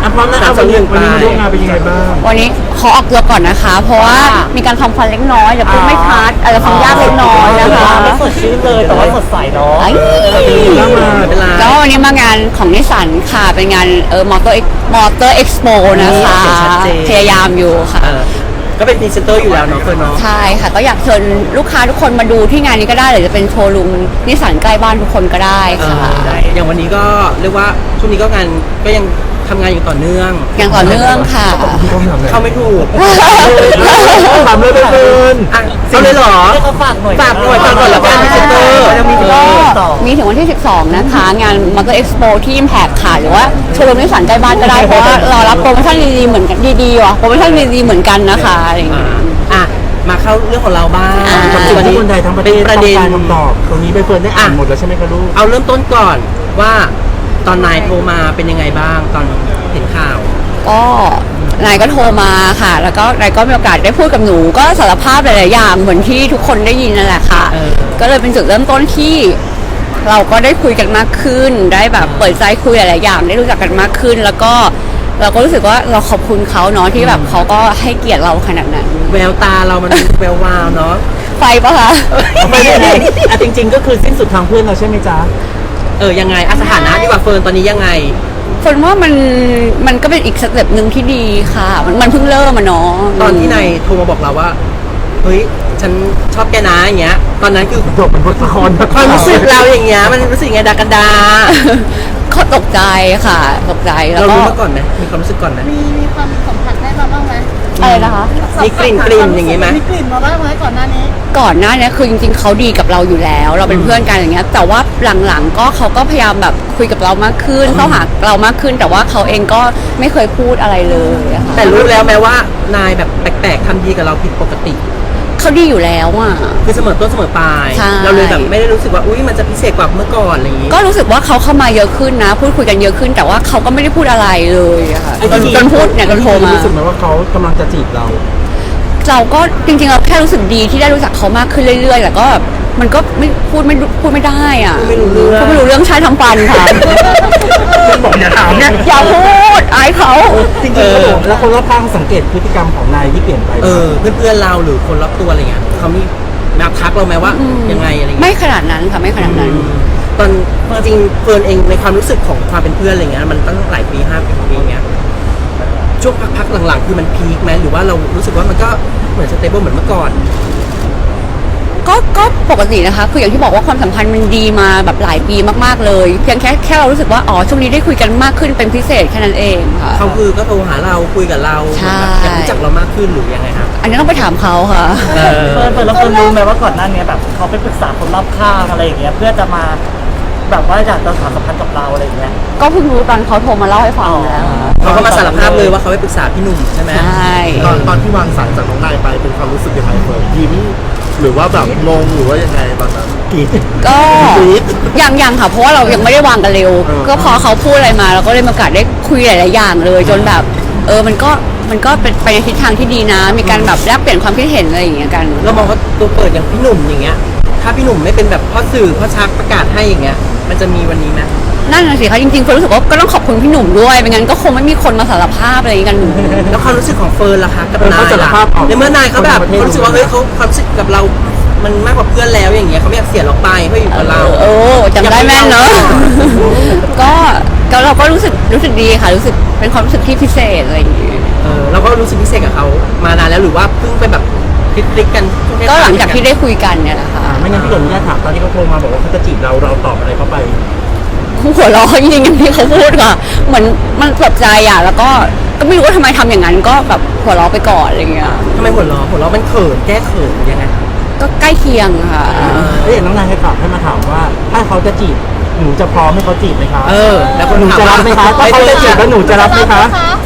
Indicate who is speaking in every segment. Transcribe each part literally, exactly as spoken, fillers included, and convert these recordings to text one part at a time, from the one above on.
Speaker 1: อ่ะพร้อมนะเอาวันนี้วันนี้มาร่วมงานเป็นยังไงบ้าง
Speaker 2: วันนี้ขอออกตัวก่อนนะคะ เพราะว่ามีการทำฟันเล็กน้อยเดี๋ยวพูดไม่ชัดอาจจะฟังยากเล็กน้อยนะคะ
Speaker 3: ไม่สดชื่นเลยแต่ว่าสดใสเนาะ
Speaker 2: ก็วันนี้มางานของนิสสันค่ะเป็นงานเออมอเตอร์มอเตอร์เอ็กซ์โปนะคะพยายามอยู่ค่ะ
Speaker 3: ก็เป็นพรีเซนเตอร์อยู่แล้วเนาะเฟิร์นเนาะ
Speaker 2: ใช่ค่ะก็อยากเชิญลูกค้าทุกคนมาดูที่งานนี้ก็ได้หรือจะเป็นโชว์รูมนิสสันใกล้บ้านทุกคนก็ได้ค่ะ
Speaker 3: อย่างวันนี้ก็เรียกว่าช่วงนี้ก็งานก็ยังทำงานอย่างต่อเนื่อง
Speaker 2: อย่างต่อเนื่องค่ะ
Speaker 3: เข้าไม่ถูก
Speaker 1: ถามเลยเฟิร์น
Speaker 3: เอาเลยเหรอฝากหน่อยฝากหน่อยฝากหน่อยแล้วกันพรีเซนเตอร์
Speaker 2: มีถึงวันที่สิบสองนะคะงานมอเตอร์เอ็กซ์โปที่ Impact ค่ะหรือว่าโชว์รูมนิสสันใกล้บ้านก็ได้เพราะว่าเรารับโปรโมชั่นดีๆเหมือนกันดีๆว่ะโปรโมชั่นดีๆเหมือนกันนะคะอะไรอย่างเงี้ย
Speaker 3: อ่ะมาเข้าเรื่องของเราบ้าง
Speaker 1: วันนี้คนไทยทั้งประเทศต้องการคำตอบตรงนี้ใบเฟิร์นได้อ่านหมดแล้วใช่ไหมคะลูก
Speaker 3: เอาเริ่มต้นก่อนว่าตอนนายโทรมาเป็นยังไงบ้างตอนเห็นข่าว
Speaker 2: ก็นายก็โทรมาค่ะแล้วก็นายก็มีโอกาสได้พูดกับหนูก็สารภาพหลายๆอย่างเหมือนที่ทุกคนได้ยินนั่นแหละค่ะก็เลยเป็นจุดเริ่มต้นที่เราก็ได้คุยกันมากขึ้นได้แบบเปิดใจคุยหลายๆอย่างได้รู้จักกันมากขึ้นแล้วก็เราก็รู้สึกว่าเราขอบคุณเขาเนาะที่แบบเขาก็ให้เกียรติเราขนาดนั้น
Speaker 3: แววตาเรามันแวววาวเนาะ
Speaker 2: ไฟปะคะ
Speaker 1: ไม่ได้อ่ะจริงๆก็คือสิ้นสุดทางเพื่อนเราใช่ไหมจ๊ะ
Speaker 3: เออยังไงสถานะดีกว่าเฟิร์นตอนนี้ยังไง
Speaker 2: เฟิร์นว่ามันมันก็เป็นอีกสเต็ปหนึ่งที่ดีค่ะมันมันเพิ่งเริ่มมาเนาะ
Speaker 3: ตอนที่นายโทรมาบอกเราว่าเฮ้ยฉันชอบแกนะอย่างเงี้ยตอนนั้นคือ
Speaker 1: จบเป็นบทละคร
Speaker 3: ความรู้สึกเราอย่างเงี้ยมันรู้สึกไงดากันดา
Speaker 2: เขาตกใจค่ะตกใจแล้วก็
Speaker 3: เรารู้มาก่อนไหมมีความรู้สึกก่อนไหม
Speaker 4: มีมีความสัมผัสได้มาบ้างไหม
Speaker 2: อะไรนะคะ
Speaker 3: มีกลิ่นกลิ่นอย่างงี้ไหม
Speaker 4: มีกลิ่นมาบ้างไหมก่อนหน้านี้
Speaker 2: ก่อนหน้านี้คือจริงๆเขาดีกับเราอยู่แล้วเราเป็นเพื่อนกันอย่างเงี้ยแต่ว่าหลังๆก็เขาก็พยายามแบบคุยกับเรามากขึ้นเข้าหาเรามากขึ้นแต่ว่าเขาเองก็ไม่เคยพูดอะไรเลยค่ะ
Speaker 3: แต่รู้แล้วแม้ว่านายแบบแปลกๆทำดีกับเราผิดปกติ
Speaker 2: เขาดีอยู่แล้วอ่ะ
Speaker 3: คือเสมอต้นเสมอปลายเราเลยแบบไม่ได้รู้สึกว่าอุ้ยมันจะพิเศษกว่าเมื่อก่อนอะไรอย่างงี้
Speaker 2: ก็รู้สึกว่าเขาเข้ามาเยอะขึ้นนะพูดคุยกันเยอะขึ้นแต่ว่าเขาก็ไม่ได้พูดอะไรเลยอะค่ะจนพูดเนี่ยจนโทรมา
Speaker 1: รู้สึกไหมว่าเขากำลังจะจีบเรา
Speaker 2: เราก็จริงๆเราแค่รู้สึกดีที่ได้รู้จักเขามากขึ้นเรื่อยๆแต่ก็มันก็ไม่พูดไม่พูดไม่ได้อ่ะ
Speaker 3: ไม่รู้เรื่อง
Speaker 2: พูดไม่รู้เรื่องใช้ทำฟันค่ะ
Speaker 1: บอกอย่าถามเนี่ย
Speaker 2: อย่าพูดอายเขา
Speaker 1: จริงๆแล้วคนรอบข้างสังเกตพฤติกรรมของนายที่เปลี่ยนไป
Speaker 3: เออเพื่อนๆเราหรือคนรอบตัวอะไรเงี้ยเขามีมาทักเราไหมว่ายังไงอะไรเงี้ย
Speaker 2: ไม่ขนาดนั้นค่ะไม่ขนาดนั้น
Speaker 3: ตอนจริงเฟิร์นเองในความรู้สึกของความเป็นเพื่อนอะไรเงี้ยมันตั้งหลายปีห้าปีเงี้ยช่วงพักๆหลังๆคือมันพีคไหมหรือว่าเรารู้สึกว่ามันก็เหมือนสเตเบิลเหมือนเมื่อก่อน
Speaker 2: ก็ก็ปกตินะคะคืออย่างที่บอกว่าความสัมพันธ์มันดีมาแบบหลายปีมากๆเลยเพียงแค่แค่เรารู้สึกว่าอ๋อช่วงนี้ได้คุยกันมากขึ้นเป็นพิเศษแค่นั้นเองค่ะ
Speaker 3: เขาคือก็โทรหาเราคุยกับเราอยากรู้จักเรามากขึ้นหรือยังไงครับ
Speaker 2: อันนี้ต้องไปถามเขาค่ะ
Speaker 3: เฟิร์น
Speaker 5: เฟิร์นแล้วเฟิร์นรู้ไหมว่าก่อนหน้านี้แบบเขาไปปรึกษาคนรอบข้างอะไรอย่างเงี้ยเพื่อจะมาแบบว่าอยากจะสานสัมพันธ์กับเราอะไรอย่างเงี้ย
Speaker 2: ก็เพิ่งรู้ตอนเขาโทรมาเล่าให้ฟังแล้ว
Speaker 3: เขาก็มาสารภาพเลยว่าเขาไปปรึกษาพี่หนุ่มใช่ไหม
Speaker 2: ใช่
Speaker 1: ตอนตอนที่วางสายจากน้องนายไปเป็นความรู้สึกยังไงเฟิร์นยิ้มหรือว่าแบบงงหรือว่ายังไงตอนนั้น
Speaker 2: ก็ยังยังค่ะเพราะว่าเรายังไม่ได้วางกันเร็วก็พอเขาพูดอะไรมาเราก็ได้มีโอกาสได้คุยหลายๆอย่างเลยจนแบบเออมันก็มันก็เป็นไปในทิศทางที่ดีนะมีการแบบแลกเปลี่ยนความคิดเห็นอะไรอย่างเงี้ยกัน
Speaker 3: เรามองว่าตัวเปิดอย่างพี่หนุ่มอย่างเงี้ยถ้าพี่หนุ่มไม่เป็นแบบพ่อสื่อพ่อชักประกาศให้อย่างเงี้ยมันจะมีวันนี้ไหม
Speaker 2: นั่นน่ะสิคะจริงๆเฟิร์นรู้สึกว่าก็ต้องขอบคุณพี่หนุ่มด้วยไม่งั้นก็คงไม่มีคนมาสารภาพอะไรกัน
Speaker 3: แล้วความรู้สึกของเฟิร์นล่ะคะกับนายล่ะในเมื่อนายเขาแบบเขารู้สึกว่าเฮ้ยเขาความรู้สึกกับเรามันมากกว่าเพื่อนแล้วอย่างเงี้ยเขาไม่อยากเสียเราไปเขาอยู่กับเรา
Speaker 2: โอ้จำได้แม่นเนาะก็ก็เราก็รู้สึกรู้สึกดีค่ะรู้สึกเป็นความรู้สึกที่พิเศษอะไรอย่างเงี้ย
Speaker 3: เออเราก็รู้สึกพิเศษกับเขามานานแล้วหรือว่าเพิ่งไปแบบคลิกกัน
Speaker 2: ก็หลังจากที่ได้คุยกันเนี่ยแหละค่ะ
Speaker 1: ไม่งั้นพี่หนุ่มเนี่ยถามตอนที่เขาโทรมาบอกว่าเขาจะจีบเราเราตอบอะไรเขาไป
Speaker 2: หัวเราะจริงๆอย่างที่เขาพูดค่ะเหมือนมันตกใจอ่ะแล้วก็ก็ไม่รู้ว่าทำไมทำอย่างนั้นก็แบบหัวเราะไปก่อนอะไรเงี้ย
Speaker 3: ทำไมหัวเราะหัวเราะมันเขินแก้เขินยังไง
Speaker 2: ก็ใกล้เคียงค่ะ
Speaker 1: เอ้ยน้องนายให้ตอบให้มาถามว่าถ้าเขาจะจีบหนูจะพร้อมให้เขาจีบไหมคะ
Speaker 3: เออแล้วห
Speaker 1: นูจะรับไหมคะถ้าเขาจะจีบแล้วหนูจะรับไหมคะ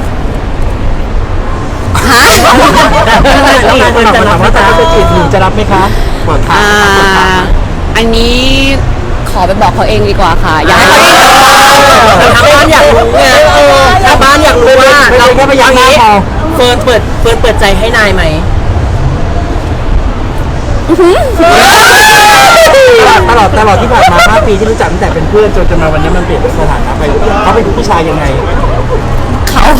Speaker 2: ฮะ
Speaker 1: น้องนายจะถามว่าถ้าเขาจะจีบหนูจะรับไหมคะ
Speaker 2: อ่าอันนี้ขอไปบอกเขาเองดีกว่าค่ะอยากให้เขา
Speaker 3: ทางบ้านอยากรู้ไงทางบ้านอยากรู้ว่าเราแค่พยายามนี้เฟิร์นเปิดเฟิร์นเปิดใจให้นายไหม
Speaker 1: ตลอดตลอดที่ผ่านมาห้าปีที่รู้จักตั้งแต่เป็นเพื่อนจนจนมาวันนี้มันเปลี่ยนสถานะไปเขาเป็นผู้ชายยังไง
Speaker 2: เขา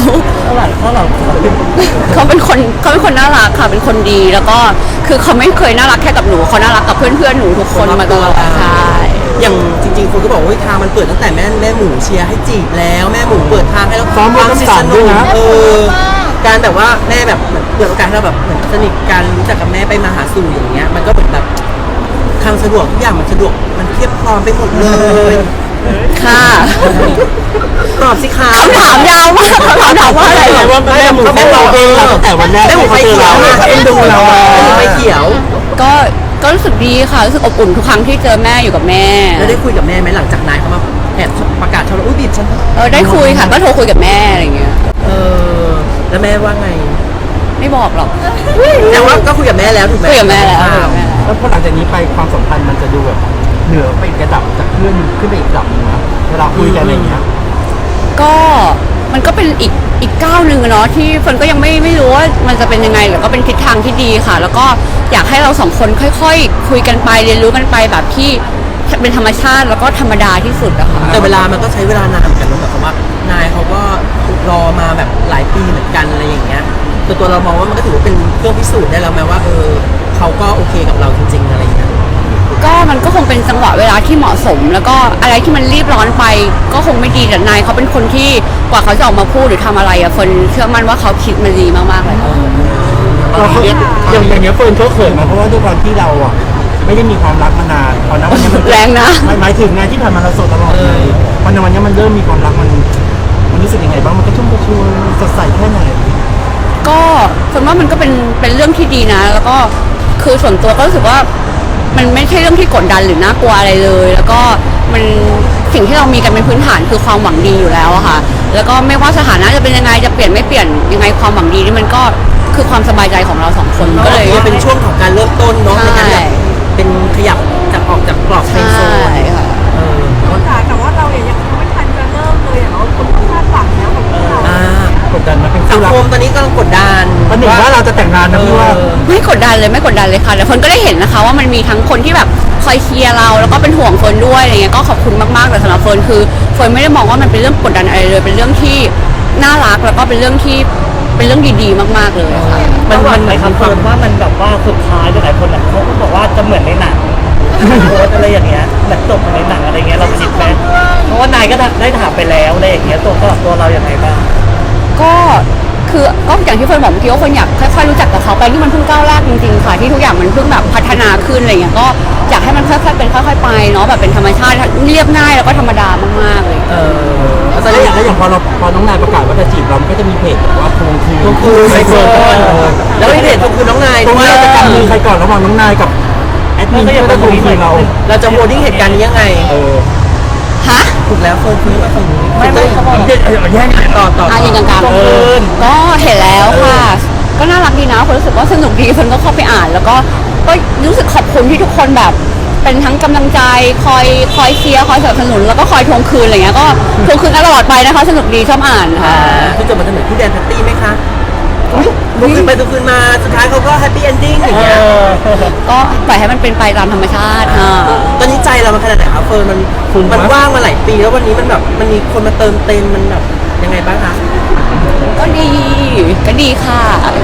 Speaker 2: เขาเป็นคนเขาเป็นคนน่ารักค่ะเป็นคนดีแล้วก็คือเขาไม่เคยน่ารักแค่กับหนูเขาน่ารักกับเพื่อนเพื่อนๆหนูทุกคนมาตลอดใช่
Speaker 3: อย่างจริงๆคนก็บอกว่าเฮ้ยทางมันเปิดตั้งแต่แม่แม่หมูเชียร์ให้จีบแล้วแม่หมูเปิดทางให้เรา
Speaker 1: ซ้อมมือ
Speaker 3: ทาง
Speaker 1: กำสั่นด้วยนะ
Speaker 3: เออการแบบว่าแม่แบบเหมือนเปิดโอกาสให้เราแบบเหมือนสนิทกันรู้จักกับแม่ไปมาหาสู่อย่างเงี้ยมันก็เหมือนแบบทางสะดวกทุกอย่างมันสะดวกมันเพียบพร้อมไปหมดเลย
Speaker 2: ค่ะ
Speaker 3: ตอบสิคะ
Speaker 2: คำถามยาวมากคำถามถามว่าอะไร
Speaker 1: แต่ว่าแม่หมูเขาบอกเองเราตั้งแต่วันแรก
Speaker 3: แม่หมู
Speaker 1: ที่
Speaker 3: ไฟ
Speaker 1: เขาเจอ
Speaker 3: เขียว
Speaker 1: เรา
Speaker 3: อะเอ็นดูเราอะแม่หมูไฟเขียว
Speaker 2: ก็ก็รู้สึกดีค่ะรู้สึกอบอุ่นทุกครั้งที่เจอแม่อยู่กับแม่
Speaker 3: แล้วได้คุยกับแม่ไหมหลังจากนายเขามาแอบประกาศชอบเราอุ้ยบีบฉัน
Speaker 2: เออได้คุยค่ะก็โทรคุยกับแม่อะไรเงี้ย
Speaker 3: เออแล้วแม่ว่าไง
Speaker 2: ไม่บอกหรอก
Speaker 3: แต่ว่าก็คุยกับแม่แล้วถูกไหม
Speaker 2: คุยกับแม่แล้วคุย
Speaker 3: อ้า
Speaker 2: กับ
Speaker 3: ว
Speaker 2: แม่แล้ว
Speaker 1: แล้วพอหลังจากนี้ไปความสัมพันธ์มันจะดูแบบเหนือไปอีกระดับจากเพื่อนขึ้นไปอีกระดับหนึงนะเวลาคุยกันอะไรอย่างเงี้ย
Speaker 2: ก็มันก็เป็นอีกอีกก้าวหนึ่งอะเนาะที่เฟิร์นก็ยังไม่ไม่รู้ว่ามันจะเป็นยังไงแต่ก็เป็นทิศทางที่ดีค่ะ แล้วก็อยากให้เราสองคนค่อยๆ คุยกันไปเรียนรู้กันไปแบบที่เป็นธรรมชาติแล้วก็ธรรมดาที่สุดอะค่ะ
Speaker 3: แต่เวลามันก็ใช้เวลานานเหมือนกันนะแบบว่านายเขาก็รอมาแบบหลายปีเหมือนกันอะไรอย่างเงี้ยตัวตัวเรามองว่ามันก็ถือว่าเป็นเครื่องพิสูจน์ได้แล้วไหมว่าเออเขาก็โอเคกับเราจริงๆอะไรอย่างเงี้ย
Speaker 2: ก็มันก็คงเป็นจังหวะเวลาที่เหมาะสม แล้วก็อะไรที่มันรีบร้อนไป ก็คงไม่ดีแต่นายเขาเป็นคนที่กว่าเขาจะออกมาพูดหรือทำอะไรอะเฟิร์นเชื่อมั่นว่าเขาคิดมาดีมากๆเลยค่ะ
Speaker 1: เราเขาอย่างอย่างเงี้ยเฟิร์นเขาเขินมาเพราะว่าด้วยความที่เราอ่ะไม่ได้มีความรักมานานพอนะวันนี้มัน
Speaker 2: แรงนะ
Speaker 1: หมายหมายถึงงานที่ผ่านมาเราโสดตลอดเลยพอในวันนี้มันเริ่มมีความรักมันมันรู้สึกยังไงบ้างมันกระชุ่มกระชวยสดใสแค่ไหน
Speaker 2: ก็ส่วนว่ามันก็เป็นเป็นเรื่องที่ดีนะ แล้วก็คือส่วนตัวก็รู้สึกว่ามันไม่ใช่เรื่องที่กดดันหรือน่ากลัวอะไรเลย แล้วก็มันสิ่งที่เรามีกันเป็นพื้นฐานคือความหวังดีอยู่แล้วอะค่ะ แล้วก็ไม่ว่าสถานะจะเป็นยังไงจะเปลี่ยนไม่เปลี่ยนยังไงความหวังดีนี่มันก็คือความสบายใจของเราสองคนก็เลย
Speaker 3: ก็เป็นช่วงของการเริ่มต้นเนาะในการแบบเป็นขยับจากออกจากกรอบเฟรนด์โซ
Speaker 2: ใช่
Speaker 3: น
Speaker 2: ค่ะ
Speaker 3: เออ
Speaker 4: แต่ว่าเราเนี่ยยังไม่ทันจะเริ่มเลยอะเราคนคาดหวังแล้วกับเรา
Speaker 3: อ่าก
Speaker 1: ดดันมาเป็น
Speaker 3: สั
Speaker 1: คู่
Speaker 3: ง
Speaker 1: รัก
Speaker 3: คมตอนนี้กำลังกดดัน
Speaker 1: วันหนึ่งว่าเราจะแต่งงานนะพี่ว่า
Speaker 3: เออ
Speaker 2: ไม่กดดันเลยไม่กดดันเลยค่ะแต่เฟิร์นก็ได้เห็นนะคะว่ามันมีทั้งคนที่แบบคอยเชียร์เราแล้วก็เป็นห่วงเฟิร์นด้วยอะไรเงี้ยก็ขอบคุณมากๆแต่สำหรับเฟิร์นคือเฟิร์นไม่ได้มองว่ามันเป็นเรื่องกดดันอะไรเลย เป็นเรื่องที่น่ารักแล้วก็เป็นเรื่องที่เป็นเรื่องดีๆมากๆเลยค่ะ
Speaker 5: มันมันไหมครับเฟิร์นว่ามันแบบว่าสุดท้ายหลายคนอ่ะเขาก็บอกว่าจะเหมือนในหนังโพสอะไรอย่างเงี้ยแบบจบเหมือนในหนังอะไรเงี้ยเราคิดไหมเพราะว่านายก็ได้ถามไปแล้วอะไรอย่างเงี้ยตัวก็ตัวเราอย่างไรบ้าง
Speaker 2: ก็คือก็อย่างที่เฟิร์นบอกเมื่อกี้ว่าเฟิร์นอยากค่อยๆรู้จักกับเขาไปที่มันเพิ่งก้าวแรกจริงๆค่ะที่ทุกอย่างมันเพิ่งแบบพัฒนาขึ้นอะไรเงี้ยก็อยากให้มันค่อยๆเป็นค่อยๆไปเนาะแบบเป็นธรรมชาติเรียบง่ายแล้วก็ธรรมดามากๆเลย
Speaker 3: เออแล้วตอน
Speaker 1: แล้ว
Speaker 3: นี้
Speaker 1: อย่างแล้วอย่างพอเราพอน้องนายประกาศว่าจะจีบเรามันก็จะมีเพจแบบว่าทวงคืน
Speaker 3: ทวงคืน
Speaker 1: ไอเฟิร์น
Speaker 3: ไอเฟิร์น
Speaker 1: เออ
Speaker 3: แล้วมีเพจทวงคืนน้องนาย
Speaker 1: ตรง
Speaker 3: ด้ว
Speaker 1: นี้
Speaker 3: ย
Speaker 1: เราจะกำมือใครก่อนระหว่างน้องนายกับแอดมินที่จะทวงคืนเรา
Speaker 3: เราจะโหวตดิ้งเหตุการณ์นี้ยังไง
Speaker 1: เออ
Speaker 2: ฮะ
Speaker 3: ถูกแล้วเฟิร์นคุยกับฝั่งนี้
Speaker 5: ไม่ไม่เขาบอก
Speaker 1: แย่งกัน
Speaker 3: ต่อต่อ
Speaker 2: อ่ะยิงกลาง
Speaker 5: ตรงคืน
Speaker 2: ๆก็เห็นแล้วค่ะ ก็น่ารักดีนะคนรู้สึกว่าสนุกดีคนก็เข้าไปอ่าน แล้วก็ก็รู้สึกขอบคุณที่ทุกคนแบบ เป็นทั้งกำลังใจคอยคอยเชียร์คอยสนับสนุนแล้วก็คอยทวงคืนอะไรเงี้ยก็ทวงคืนกันตลอดไปนะคะสนุกดีชอบอ่านค่ะ
Speaker 3: คือจบมันจะเหมือนผู้แดนแพตตี้ไหมคะทวงคืนไปทวงคืนมาสุดท้ายเขาก็แฮปปี้เอนดิ้งอย่างเงี้ย
Speaker 2: ก็ปล่อยให้มันเป็นไปตามธรรมชาติค่ะ
Speaker 3: ตอนนี้ใจเรามันขนาดไหนครับเฟิร์นมันมันว่างมาหลายปีแล้ววันนี้มันแบบมันมีคนมาเติมเต็มมันแบบยังไงบ้างคะ
Speaker 2: ก็ดีก็ดีค่ะ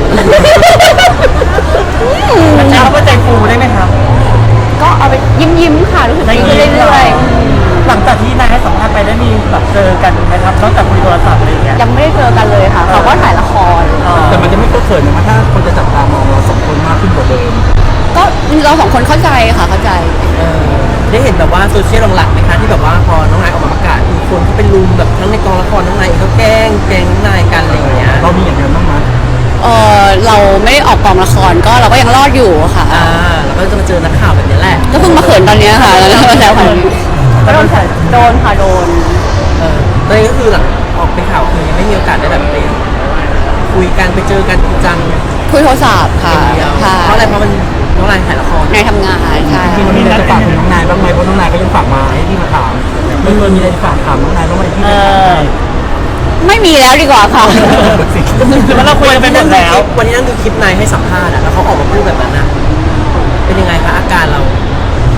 Speaker 5: มันใช้คำว่าใจฟูได้ไหมครับ
Speaker 2: ก็เอาไปยิ้มยิ้มๆค่ะรู้สึกดีขึ้นเรื่อย
Speaker 5: หลังจากที่นายให้สัมภาษณ์ไปได้มีแบบเจอกันไหมครับนอกจากคุยโทรศัพท์อะไรอย่างเงี้ย
Speaker 2: ๆยังไม่ได้เจอกันเลยค่ะเขาก็ถ่ายละคร
Speaker 1: แต่มันจะไม่ก็เขินนะถ้าคนจะจับตามองเราสองคนมากขึ้นกว่าเดิม
Speaker 2: ก็เราสองคนเข้าใจค่ะเข้าใจ
Speaker 3: เออได้เห็นแบบว่าโซเชียลหลังๆไหมคะที่แบบว่าพอน้องนายออกมาประกาศมีคนเขาเป็นลุมแบบทั้งในกองละครน้องนายเองเขาแกล้งแกล้งน้องนายกันอะไรอย่างเงี้ย
Speaker 1: เรามีอย่างนั้นบ้างไหม
Speaker 2: เออเราไม่ได้ออกกองละครก็เราก็ยังรอดอยู่ค่ะ
Speaker 3: อ่าแล้วก็จะมาเจอนักข่าวแบบนี้แหละ
Speaker 2: ก็เพิ่งมาเขินตอนเนี้ยค่ะแล้วแล้วแล้วค่ะก็โดนค่ะโดนค่ะโดน
Speaker 3: เออตอนนี้ก็คือหลังออกเป็นข่าวคือยังไม่มีโอกาสได้แบบไปคุยกันไปเจอกันจริงจัง
Speaker 2: คุยโทรศัพท์ค่ะ
Speaker 3: อย่างเดียว
Speaker 2: ค่ะ
Speaker 3: เพราะอะไรเพราะมันน้องนายถ่ายละคร
Speaker 2: ในทำงานใช่
Speaker 1: จริงๆเรามีอะไรจะฝากถึงน้องนายบ้างไหมเพราะน้องนายก็ยังฝากมาให้พี่มาถามไม่เคยมีอะไรจะฝากถามน้องนายบ้างไหมที่
Speaker 5: เอ
Speaker 1: จะถาม
Speaker 5: อ
Speaker 1: ให้
Speaker 2: ไม่มีแล้วดีกว่าค่ะ
Speaker 5: คือมันเราคุยกันไปหมดแล้ว
Speaker 3: วันที่นั่งดูคลิปนายให้สัมภาษณ์อะแล้วเขาออกมาพูดแบบนั้นนะเป็นยังไงคะอาการเรา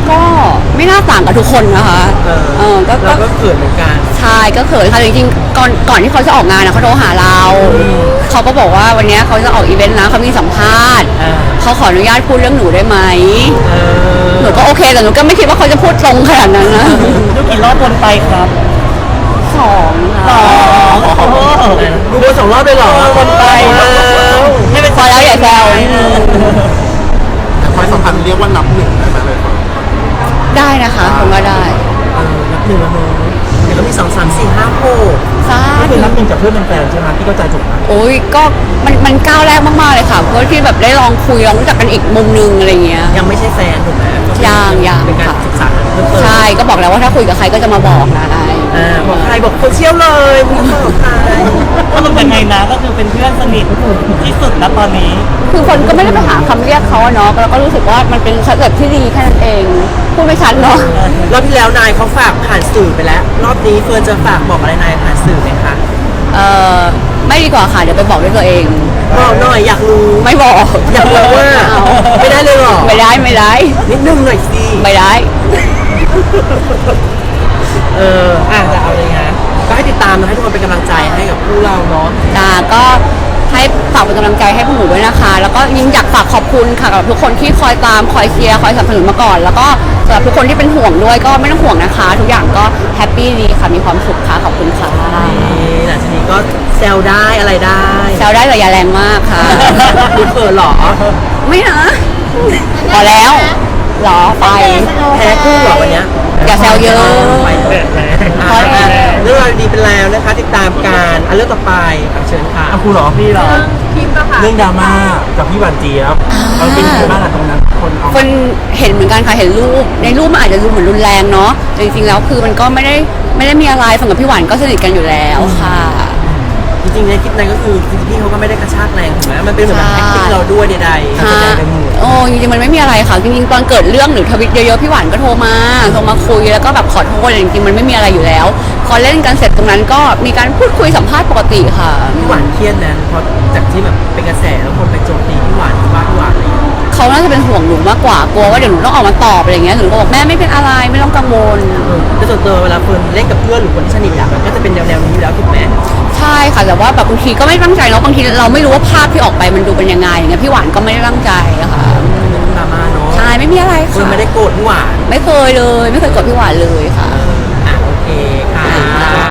Speaker 2: ก็ไม่น่าต่างกับทุกคนนะคะ
Speaker 3: เออ
Speaker 2: เออก็
Speaker 3: เรา
Speaker 2: ก็
Speaker 3: ก็เขินเหมือนกัน
Speaker 2: ใช่ก็เขินค่ะจริงๆก่อนก่อนที่เขาจะออกงานนะเขาโทรหาเราเขาก็บอกว่าวันเนี้ยเขาจะออกอีเวนต์นะเขามีสัมภาษณ์
Speaker 3: อ่า
Speaker 2: เขาขออนุญาตพูดเรื่องหนูได้ไหม
Speaker 3: เออ
Speaker 2: หนูก็โอเคแต่หนูก็ไม่คิดว่าเขาจะพูดตรงขนาดนั้นนะ
Speaker 5: ดูกี่รอบวนไปครับ
Speaker 2: สอง
Speaker 5: สอ
Speaker 2: ค่ะ
Speaker 5: งโอ้โห
Speaker 3: ดูวนสองรอบเลยเหรอ
Speaker 5: วนไป
Speaker 3: อ้าว
Speaker 5: ให้เป็น
Speaker 2: พอแล้วอย่าแซว
Speaker 1: แต่ความสัมพันธ์เรียกว่านับหนึ่งได้ไหมเลยครับ
Speaker 2: ได้นะคะผมว่าได้
Speaker 3: เออนับหนึ่งแล้วเนอะเดี๋ยวก็มีสองสามสี่ห้าหก
Speaker 2: ซา
Speaker 1: ก็คือนับหนึ่งจากเพื่อนเป็นแฟนใช่ไหมที่เข้าใจถูกไหม
Speaker 2: โอ้ยก็มันมันก้าวแรกมากๆเลยค่ะเพราะที่แบบได้ลองคุยลองรู้จักกันอีกมุมนึงอะไรเงี้ย
Speaker 3: ยังไม่ใช่แฟนถูกไหม
Speaker 2: ยังยัง
Speaker 3: เป็นการ
Speaker 2: ค่ะ
Speaker 3: ศึกษาเพิ่มเติม
Speaker 2: ใช่ก็บอกแล้วว่าถ้าคุยกับใครก็จะมาบอกนะได้
Speaker 3: อ่าบอกใครบอกคนเชี่ยวเลยมึงบอกใคร
Speaker 5: ก็มันยังไงนะก็คือเป็นเพื่อนสนิทที่สุดนะตอนนี้
Speaker 2: คือคนก็ไม่ได้ไปหาคำเรียกเขาอะเนาะแล้วก็รู้สึกว่ามันเป็นสเต็ปที่ดีแค่นั้นเองพูดไม่ชัดเนาะ
Speaker 3: รอบที่แล้วนายเขาฝากผ่านสื่อไปแล้ว รอบนี้เฟิร์นจะฝากบอกอะไรนายผ่านสื่อไหมคะ
Speaker 2: เออไม่ดีกว่าค่ะเดี๋ยวไปบอกด้วยตัวเอง
Speaker 3: บอกหน่อยอยากรู้
Speaker 2: ไม่บอก
Speaker 3: อยากรู้ว่า
Speaker 2: เอา
Speaker 3: ไม่ได้เลยเหรอ
Speaker 2: ไม่ได้ไม่ได้
Speaker 3: นิดนึงหน่อยสิ
Speaker 2: ไม่ได้
Speaker 3: เอออ่ะจะเอาเลยฮะก็ให้ติดตามนะให้ทุกคนเป็นกำลังใจให้กับคู่เราเนาะ
Speaker 2: จ้าก็ให้ฝากเป็นกำลังใจให้พวกหนูด้วยนะคะ แล้วก็ยิ่งอยากฝากขอบคุณค่ะกับทุกคนที่คอยตามคอยเชียร์คอยสนับสนุนมาก่อน แล้วก็สำหรับทุกคนที่เป็นห่วงด้วยก็ไม่ต้องห่วงนะคะ ทุกอย่างก็แฮปปี้ดีค่ะมีความสุขค่ะขอบคุณค่ะ
Speaker 3: นี่หลังจากนี้ก็แซวได้อะไรได้
Speaker 2: แซวได้แต่อย่าแรงมากค่ะ
Speaker 3: ดูเขินเหรอ
Speaker 2: ไม่นะพอแล้วเหรอไป
Speaker 3: แพ้คู่เหรอวันเนี้ย
Speaker 2: อย่าแซวเยอะ
Speaker 3: ไปเถอะอ่ะเรื่องราวดีเป็นแล้วนะคะ ติดตามการอันเรื่องต่อไปอ่ะเชิญค่ะ
Speaker 1: อ่ะครูเหรอ
Speaker 5: พี่เหรอ
Speaker 4: คลิปอะค่ะ
Speaker 1: เรื่องดราม่ากับพี่หวานเจี๊ยบเราเป็นยังไงบ้างอะตรงนั้นคนเอา
Speaker 2: คนเห็นเหมือนกันค่ะเห็นรูปในรูปมันอาจจะดูเหมือนรุนแรงเนาะแต่จริงๆแล้วคือมันก็ไม่ได้ไม่ได้มีอะไรฝั่งกับพี่หวานก็สนิทกันอยู่แล้วค่ะ
Speaker 3: จริงๆในคลิปนั้นก็คือจริงๆพี่เขาก็ไม่ได้กระชากแรงถูกไหมมันเป็นเหมือนแบบ acting เราด้วยใดๆ
Speaker 2: ค่ะโอ้จริงๆมันไม่มีอะไรค่ะจริงๆตอนเกิดเรื่องหรือทวิตเยอะๆพี่หวานก็โทรมาโทรมาคุยแล้วก็แบบขอโทษอะไรจริงๆมันไม่มีอะไรอยู่แล้วพอเล่นกันเสร็จตรงนั้นก็มีการพูดคุยสัมภาษณ์ปกติค่ะ
Speaker 3: พี่หวานเครียดนะเพราะจากที่แบบเป็นกระแสแล้วคนไปโจมตีพี่หวานว่าพี่หวานอะไรอย่างเงี้ย
Speaker 2: เขาน่าจะเป็นห่วงหนูมากกว่ากลัวว่าเดี๋ยวหนูต้องออกมาตอบอะไรอย่างเงี้ยหนูก็บอกแม่ไม่เป็นอะไรไม่ต้องกังวล
Speaker 3: แต่ส่วนตัวเวลาเฟิร์นเล่นกับเพื่อนหรือคนที่สนิทอะมันก็จะเป็นแนวๆนี้อยู่แล้วถูกไหม
Speaker 2: ใช่ค่ะแต่ว่าแบบบางทีก็ไม่ตั้งใจเนาะบางทีเราไม่รู้ว่าภาพที่ออกไปมันดูเป็นยังไงอย่างเงี้ยพี่หวานก็ไม่ได้ตั้งใจอะค่ะ
Speaker 3: ดราม่าเนาะ
Speaker 2: ใช่ไม่มีอะไร
Speaker 3: เฟิร์น
Speaker 2: ค่ะ
Speaker 3: ไม่ได้โกรธพี่หวาน
Speaker 2: ไม่เคยเลยไม่เคยกดพี่หวานเลยค่ะ
Speaker 3: เอ